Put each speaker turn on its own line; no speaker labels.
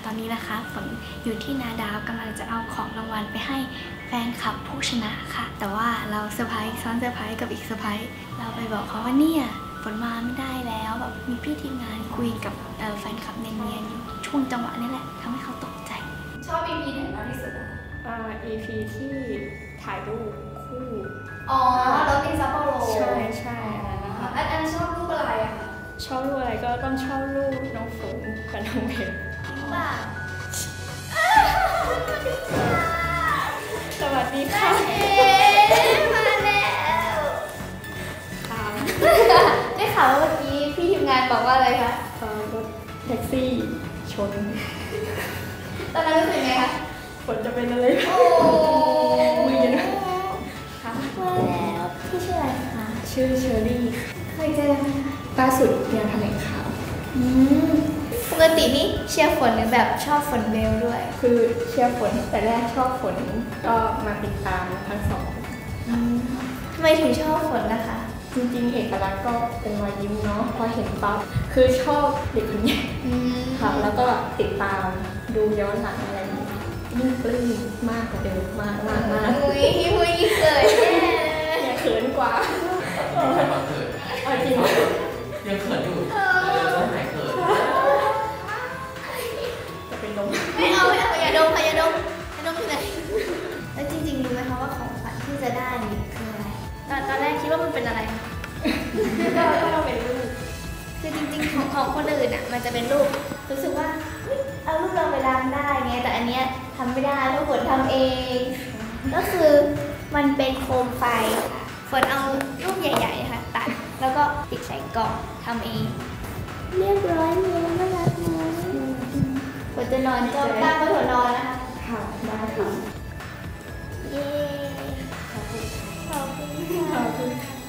ตอนนี้นะคะฝนอยู่ที่นาดาวกำลังจะเอาของรางวัลไปให้แฟนคลับผู้ชนะค่ะแต่ว่าเราเซอร์ไพรส์ซ้อนเซอร์ไพรส์กับอีกเซอร์ไพรส์เราไปบอกเขาว่าเนี่ยฝนมาไม่ได้แล้วแบบมีพี่ทีมงานคุยกับแฟนคลับเนียนๆอยู่ช่วงจังหวะนี้แหละทำให้เขาตกใจ
ชอบ EP ไหนมากที่สุดอะ
EP ที่ถ่ายรูปคู่
อ๋อรถอินซัปโปโร
ใช่ใช่
อันนั้นชอบรูปอะไรอะคะ
ชอบรูปอะไรก็ต้องชอบรูปน้องฝนกับน้องเบล
ว่า
สวัสดีค่ะ
มาแล้ว
ค่ะ
ได้ข่าวว่าเมื่อกี้พี่ทีมงานบอกว่าอะไรคะ
รถแท็กซี่ชน
ตอนนั้นรู้สึกไงคะ
ฝนจะเป็นอะไร
โอ้
มือเย็นค่ะ
มาแล้วพี่ชื่ออะไรคะ
ชื่อเชอรี่
เคยเจอไหมคะ
ล่าสุดงานแถลงข่าว
ปกตินี่เชียร์ฝนหรือแบบชอบฝนเบลด้วย
คือเชียร์ฝนแต่แรกชอบฝนก็มาติดตามทั้งสอง
ทำไมถึงชอบฝนนะคะ
จริงๆเอกลักษณ์ก็เป็นรอยยิ้มเนาะพอเห็นปั๊บคือชอบเด็กคนนี้ค่ะแล้วก็ติดตามดูย้อนหลังอะไรยิ่งปลื้มมากกว่าเดิมมาก
อุ้ยเกิดแน่
เขินกว่าจริง
ยังเขินอยู่จะหายเขิน
จะเป็นลม
ไม่เอาอย่าดมที่ไหนแล้วจริงๆรู้ไหมคะว่าของขวัญที่จะได้นี่คืออะไรตอนแรกคิดว่ามันเป็นอะไร
ก็เป็นรูป
คือจริงๆของคนอื่นอ่ะมันจะเป็นรูปรู้สึกว่าเอารูปเราไปล้างได้ไงแต่อันเนี้ยทำไม่ได้เพราะฝนทำเองก็คือมันเป็นโคมไฟค่ะฝนเอารูปใหญ่ๆค่ะตัดแล้วก็ติดใส่กล่องทำเองเรียบร้อยเลยน่ารักไหมฝนจะนอนจ้องตาก็ฝนนอนนะคะ
ค่ะได้ค่ะ
เย้ขอบคุณค่ะ